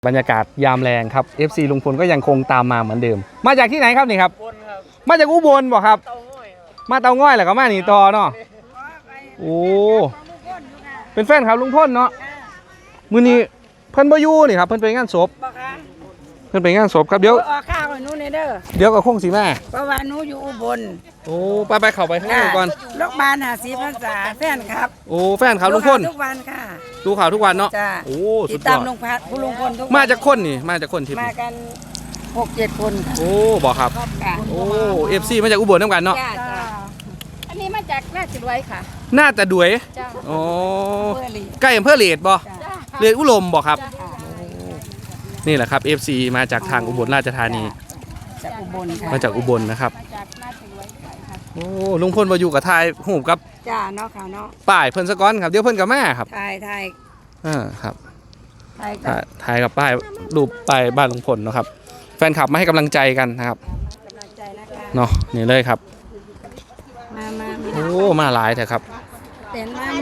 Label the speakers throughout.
Speaker 1: บรรยากาศยามแรงครับ FC ลุงพลก็ยังคงตามมาเหมือนเดิมมาจากที่ไหนครับนี่ครับมาจากอุบลบ่ครับมาเตาง่อยแหละก็มานี่ต่อเนาะโอ้เป็นแฟนครับลุงพลเนาะมื้อนี้เพิ่นบ่อยู่นี่ครับเพิ่นไปงานศพเพิ่นไปงานศพครับเดี๋ยว
Speaker 2: ออกข้าวให้หนูในเด้อ
Speaker 1: เดี๋ยวก็คงสิมา
Speaker 2: เพราะว่าหนูอยู่อุบล
Speaker 1: โอ้ไปเข้าไปข้างในก่อน
Speaker 2: โรงพยาบาล50 พรรษาแฟนครับ
Speaker 1: โอ้แฟนครับลุงพล
Speaker 2: ทุกวันค่ะ
Speaker 1: ดูข่าวทุกวันเนาะโอ้สุดยอด
Speaker 2: ติดตามลุงพลทุกวัน
Speaker 1: มาจากคนนี่มาจากคนที่
Speaker 2: มากัน 6-7 คนค่ะ
Speaker 1: โอ้บอกครับโอ้ FC มาจากอุบลนำกันเนาะ
Speaker 3: อันนี้มาจากราชบุรีค่ะ
Speaker 1: น่าจะด้วยอ๋อใกล้อำเภอเลดบ่เลดอุลมบ่ครับนี่แหละครับ FC มาจากทางอุบลราชธานี
Speaker 2: จากอุบลค่ะ
Speaker 1: มาจากอุบลนะครับโอ้ลุงพลมาอยู่กับทายหูกับ
Speaker 2: จ้าเนาะค่ะเนาะ
Speaker 1: ป้ายเพิ่นสะก้อนครับเดี๋ยวเพิ่นกับแม่ครับ
Speaker 2: ถ่าย
Speaker 1: ครับ
Speaker 2: ถ่าย
Speaker 1: กับป้ายรูปป้ายบ้านลุงพลเนาะครับแฟนคลับมาให้กำลังใจกันนะครับ
Speaker 2: กำลังใจนะคะ
Speaker 1: เนาะนี่เลยครับ
Speaker 2: มา
Speaker 1: โอ้มาหลายเถอะครับ
Speaker 2: เต็นมา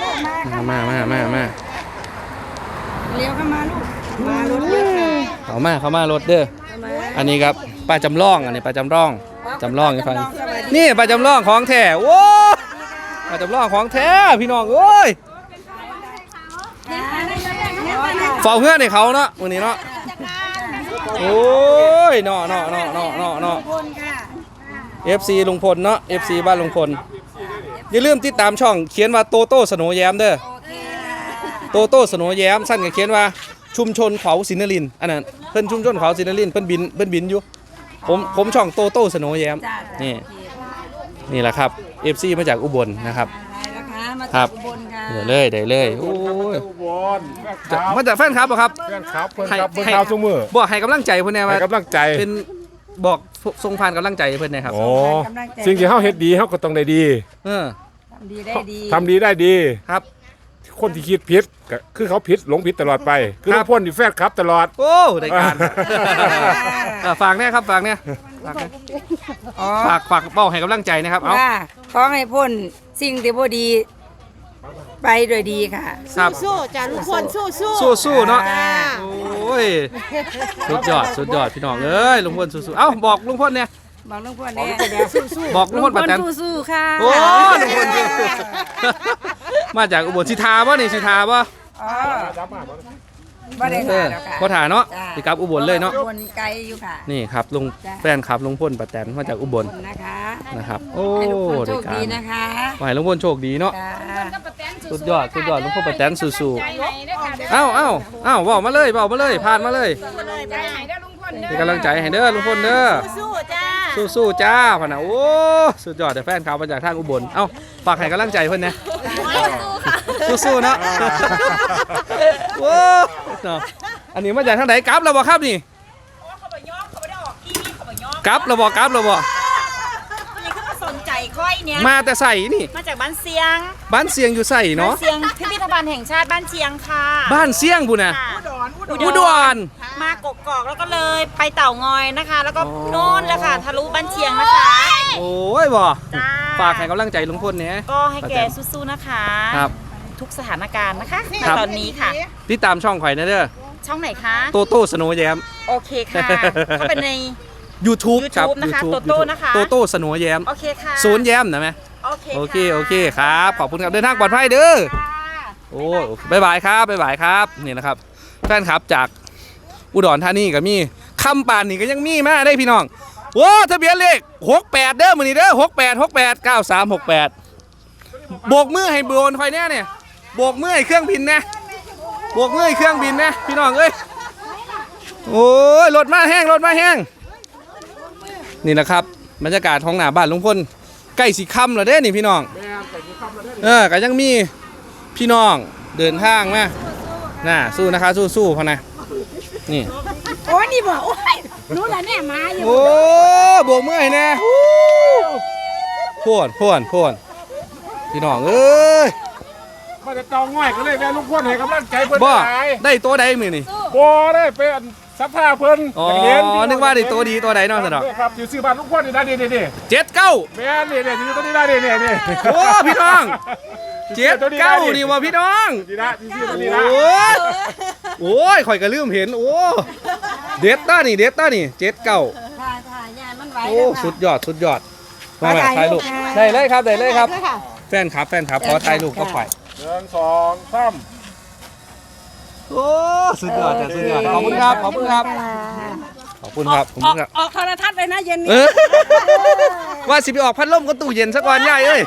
Speaker 2: เลี้ยวเข้ามาลูกมารถเยอะ
Speaker 1: เข้ามารถเด้ออันนี้ครับป้าจำลองอันนี้ป้าจำลองให้ฟังนี่ป้าจำลองของแท้โอ้ป้าจำลองของแท้พี่น้องเอ้ยเฝ้าเพื่อนให้เขาเนาะวันนี้เนาะโอ้ยเนาะFC ลุงพลเนาะ FC บ้านลุงพลอย่าลืมติดตามช่องเขียนว่าโตโต้สโนว์แย้มเด้อโตโต้สโนว์แย้มสั้นก็เขียนว่าชุมชนเขาศินรินอันนั้นเพิ่นชุมชนเขาศินรินเพิ่นบินอยู่ผมช่องโตโต้สโนว์แย้มนี่แหละครับ FC มาจากอุบลนะครับครับได้เลยโอ้ยมาจากแฟนครับบ่ครับ
Speaker 4: แฟนครับเพิ่นครับเพิ่นข่าวซุมื้อ
Speaker 1: บอกให้กำลังใจเพิ่นแน่ว่า
Speaker 4: ให้กำลังใจ
Speaker 1: เป็นบอกส่งผ่านกำลังใจเพิ่นนะครับ
Speaker 4: โอ้สิ่งที่เฮาเฮ็ดดีเฮาก็ต้องได้ดี
Speaker 2: ทำดีได้
Speaker 4: ดี
Speaker 1: ครับ
Speaker 4: คนที่คิดผิดก็คือเขาผิดหลงผิดตลอดไปคือลุงพลนี่แฟนครับตลอด
Speaker 1: โอ้ได้การฝากแน่ครับฝากแน่ฝากเป้าให้กำลังใจนะครับเอา
Speaker 2: ขอให้พ้นสิ่งที่บ่ดีไปโดยดีค่ะ
Speaker 3: สู้จ้าลุงพล
Speaker 1: สู้เนาะโอ้ยสุดยอดพี่น้องเอ้ยลุงพลสู้เอ้าบอกลุงพลเนี่ย
Speaker 2: บอกลุงพลเนี่ย
Speaker 1: บอกลุงพลป้าแตน
Speaker 2: สู้ค่ะ
Speaker 1: โอ้ลุงพลมาจากอุบลสิทาบ่นี่สิทาบ่
Speaker 2: บ่ได้ค่ะ
Speaker 1: บ่ถ่าเนาะสิกลับอุบลเลยเนาะ
Speaker 2: อุบลไกลอยู่ค่ะ
Speaker 1: นี่ครับลุงแฟนครับลุงพลป้าแตนมาจากอุบลนะครับโอ้
Speaker 2: ได้การนะคะ
Speaker 1: ขอให้ลุงพลโชคดีเนาะสุดยอดลุงพลป้าแตนสู้ๆเอ้าบอกมาเลยผ่านมาเลยเป็นกำลังใจให้เด้อลุงพลเด้อสู้จ้าพ่อนะโอ้สุดยอดแต่แฟนเขามาจากทางอุบลเอ้าฝากให้กำลังใจเพิ่นนะสู้ๆเนาะโอ้อันนี้มาจากทางไหนกลับเราบอกครับนี่กลับเราบอก
Speaker 3: สนใจค่อยเนี่ย
Speaker 1: มาแต่ใส่นี่
Speaker 3: มาจากบ้านเสียง
Speaker 1: อยู่ใส่เนาะ
Speaker 3: เสียงพิพิธภัณฑ์แห่งชาติบ้านเชียงค่ะ
Speaker 1: บ้านเสียงบุญนะอุดร
Speaker 3: มากกอกแล้วก็เลยไปเต่างอยนะคะแล้วก็โน่นแล้วค่ะทะลุบ้านเชียงนะคะ
Speaker 1: โอ้ยบ่ฝากให้กำลังใจลุงพลเนี่ย
Speaker 3: ก็ให้แกสู้ๆนะคะ
Speaker 1: ครับ
Speaker 3: ทุกสถานการณ์นะคะตอนนี้ค่ะ
Speaker 1: ติดตามช่องข่อยนะเด้อ
Speaker 3: ช่องไหนคะ
Speaker 1: โตโต้สโนว์แย้ม
Speaker 3: โอเคค่ะเขาเป็นใน
Speaker 1: YouTube
Speaker 3: ครับนะคะโตโต้นะคะ
Speaker 1: โตโต้สโนว์แย้ม
Speaker 3: โอเคค่ะ
Speaker 1: ศูนย์แย้มนะแม่โอเคครับขอบคุณครับเดินทางปลอดภัยเด้อโอ้บ๊ายบายครับนี่นะครับแฟนครับจากอุดรธานีก็มีคำป่านนี่ก็ยังมีมาได้พี่น้องโอ้ทะเบียนเลข68เด้อมื้อนี้เด้อ689368โบกมือให้โดนคอยแน่เนี่ยโบกมือให้เครื่องบินนะพี่น้องเอ้ยโอ้ยรถมาแห้งนี่แหละครับบรรยากาศของหน้าบ้านลุงพลใกล้สิค่ำแล้วเด้นี่พี่น้องก็ยังมีพี่น้องเดินทางมาสู้นะคะสู้พอนะนี่
Speaker 2: โอ้ยนี่บอกโอ้ยรู้แล้วเนี่ยมาอยู่
Speaker 1: โอ้โบกมือให้แน่พ่วนพี่น้องเอ้ย
Speaker 4: มาจะตองง่อยก็เลยแม่ลุงพลให้กำลังใจเพิ่น
Speaker 1: ได้ตัวใดมื้อนี่
Speaker 4: บ่ได้เป็นสัพพาเพิ่น
Speaker 1: นึกว่าได้ตัวดีตัวใดเนาะสนอ
Speaker 4: ครับอยู่ซื้อบ้านลุงพลนี่ได้นี่
Speaker 1: 79
Speaker 4: แม่นี่อยู่ตัวนี้ได้นี่
Speaker 1: โอ้พี่น้อง79นี่ว่าพี่น้อง
Speaker 4: ดีนะตัวนี้นะ
Speaker 1: โอ้ยข่อยก็ลืมเห็นโอ้เด็ดต้านี่เด็ดต้านี่เจ็ดเก้า
Speaker 2: ถ่ายยายมันไหว
Speaker 1: โอ้สุดยอดสุดยอดมาแบบถ่ายรูปได้เลยครับได้เลยครับแฟนครับขอถ่ายรูปก็ไป
Speaker 4: 1 2 3
Speaker 1: โอ้สุดยอดจ้ะสุดยอดขอบคุณครับขอบคุณครับขอบคุณครับขอบคุณครับ
Speaker 2: ออกโทรทัศน์เลยนะเย็นนี้
Speaker 1: เออว่าสิไปออกพัดลมก็ตู้เย็นสักวันใหญ่เอ้ย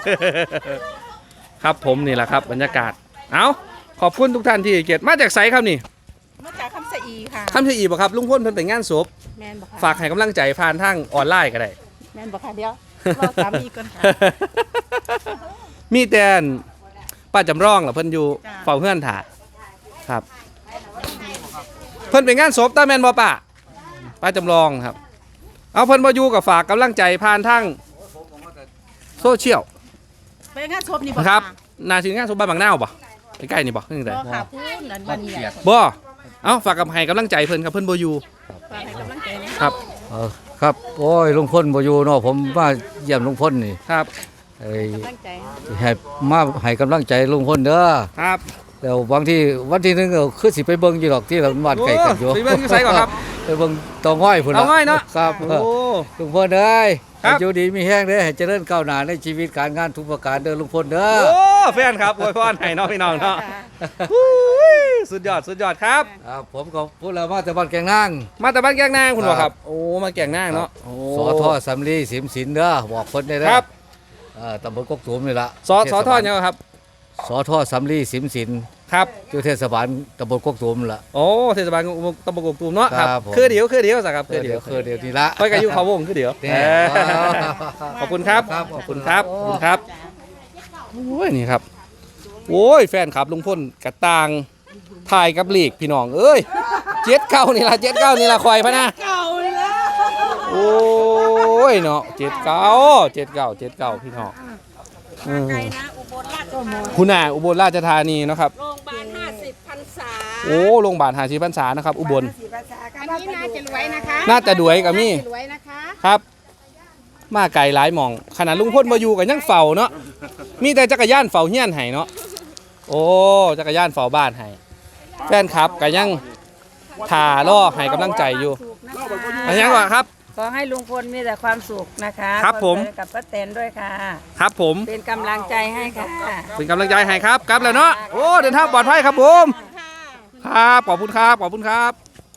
Speaker 1: ครับผมนี่แหละครับบรรยากาศเอาขอบคุณทุกท่านที่เกียรติมาจากไสครับนี่
Speaker 3: มาจากคำสะอีค่ะ
Speaker 1: คำเชียอีบ่ครับลุงพ่นเพิ่นไปงานศพ
Speaker 3: แมนบอกค่ะ
Speaker 1: ฝากให้กำลังใจผ่านทางออนไลน์ก็ได้
Speaker 3: แมนบอกค่ะเดี๋ยวรอสามีก่อนค่ะ
Speaker 1: มีแต่ป้าจำลองเหรอเพิ่นอยู่
Speaker 3: จ้ะ
Speaker 1: เฝ้าเฮือนถ่าครับ เพิ่นไปงานศพตาแม่นบ่ป้าจำลองครับ เอาเพิ่นบ่อยู่กับฝากกำลังใจผ่านทางโซเชียล
Speaker 3: ไปงานศพนี่บอก
Speaker 1: นะครับนาถึงงานศพบ้านบางนาวบ่ใกล้ๆนี่บ่นี่
Speaker 3: บ
Speaker 1: ได้
Speaker 3: อกค่ะพูดนั่นวันนี้แหละ
Speaker 1: บ่เอาฝากกับให้กำลังใจเพิ่นครับเพิ่นบ่อยู่
Speaker 3: ฝากให้กำลังใจนะครับ
Speaker 5: ครับโอ้ยลุงพลบ่อยู่เนาะผมมาเยี่ยมลุงพลนี่
Speaker 1: ครับ
Speaker 5: ไอ้
Speaker 3: กำลังใจ
Speaker 5: ให้มาให้กำลังใจลุงพลเด้อ
Speaker 1: ครับ
Speaker 5: แล้วบางทีวันที่หนึงก็คือสิไปเบิ่งอยู่ดอกที่เราบ้านไกลกันอยู่
Speaker 1: โอ้ไปเบิ่งอยู่ไสก่อนครับ
Speaker 5: ไปเบิ่งเตาง่อยพุ่น
Speaker 1: เตาง่อยเนาะ
Speaker 5: ครับ
Speaker 1: โอ้
Speaker 5: ลุงพลเอ้ย
Speaker 1: ครับ
Speaker 5: ให้อยู่ดีมีแห้งเด้อให้เจริญก้าวหน้าในชีวิตการงานทุกประการเด้อลุงพลเด้อ
Speaker 1: โอ้แฟนครับอวยพรให้น้องพี่น้องเนาะอุ้ยสุดยอดสุดยอดครับ
Speaker 5: ครับผมก็พูดแล้วมาแต่บ้านแกงนาง
Speaker 1: มาแต่บ้านแกงนางคุณบอก
Speaker 5: ค
Speaker 1: ค
Speaker 5: รั
Speaker 1: รับ บ โอ้มาแกงนางเนาะโอ้
Speaker 5: สอทอสำลีสิมสินเด้อบอกเพิ่นได้เด้อ
Speaker 1: ครับ
Speaker 5: ตำบลกกตูมนี่ล่ะ
Speaker 1: สอทอดเนี่ยงครับ
Speaker 5: สอทอสำลีสิมสิน
Speaker 1: ครับ
Speaker 5: อยู่เทศบาลตำบลกกตูมล่ะ
Speaker 1: โอ้เทศบาลตำบลกกตูมเนาะครับ
Speaker 5: ครับผม
Speaker 1: คือเดียวสักครับคือเดียว
Speaker 5: คือเดียวนี่ละ
Speaker 1: ไปกับยุเขาวงคือเดียว
Speaker 5: แน่
Speaker 1: เออขอบคุณครับ
Speaker 5: ครับ
Speaker 1: ขอบคุณครับขอบคุณครับโอ้ยนี่ครับโอ้ยแฟนครับลุงพ่นกระต่างถ่ายกับลีกพี่น้องเอ้ยเจ็ดเก้านี่ละคอยพะนะ
Speaker 3: เก่าแล้ว
Speaker 1: โอ้ยเนาะเจ็ดเก้าพี่น้องอืม
Speaker 2: ไกลนะอุบลราชธานี
Speaker 1: คุณน่ะอุบลราชธานีเนาะครับ
Speaker 2: โรงพยาบาล50พรรษา
Speaker 1: โอ้โรงพยาบาล50พรรษานะครับอุบล
Speaker 2: 50พรรษา
Speaker 3: อันนี้น่าจะรวยนะคะ
Speaker 1: น่าจะด้วยกับมี่
Speaker 3: รวยนะคะ
Speaker 1: ครับ มาไกลหลายหม่องขนาดลุงพ่นมาอยู่กันยังเฝ้าเนาะมีแต่จักรยานเฝ้าเฮียนให้เนาะโอ้จักรยานเฝ้าบ้านให้แฟนครับก็ยังถ่าล่อให้กำลังใจอยู่อันยังว่าครับ
Speaker 2: ขอให้ลุงพลมีแต่ความสุขนะคะ
Speaker 1: ครับผม
Speaker 2: วาสุขกับป้าแตนด้วยค่ะ
Speaker 1: ครับผม
Speaker 2: เป็นกำลังใจให้ค่ะ
Speaker 1: เป็นกำลังใจให้ครับกลับแล้วเนาะโอ้เดินทางปลอดภัยครับผมครับขอบคุณครับขอบคุณครับ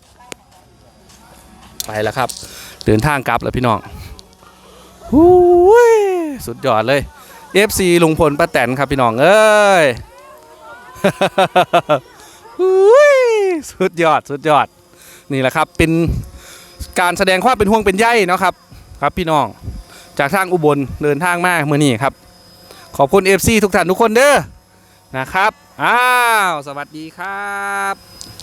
Speaker 1: ไปแล้วครับ เดินทางกลับแล้วพี่น้องหูยสุดยอดเลย FC ลุงพลป้าแตนครับพี่น้องเอ้ย หูยสุดยอดสุดยอดนี่แหละครับเป็นการแสดงความเป็นห่วงเป็นใยเนาะครับครับพี่น้องจากทางอุบลเดินทางมาเมื่อนี้ครับขอบคุณ FC ทุกท่านทุกคนเด้อนะครับอ้าวสวัสดีครับ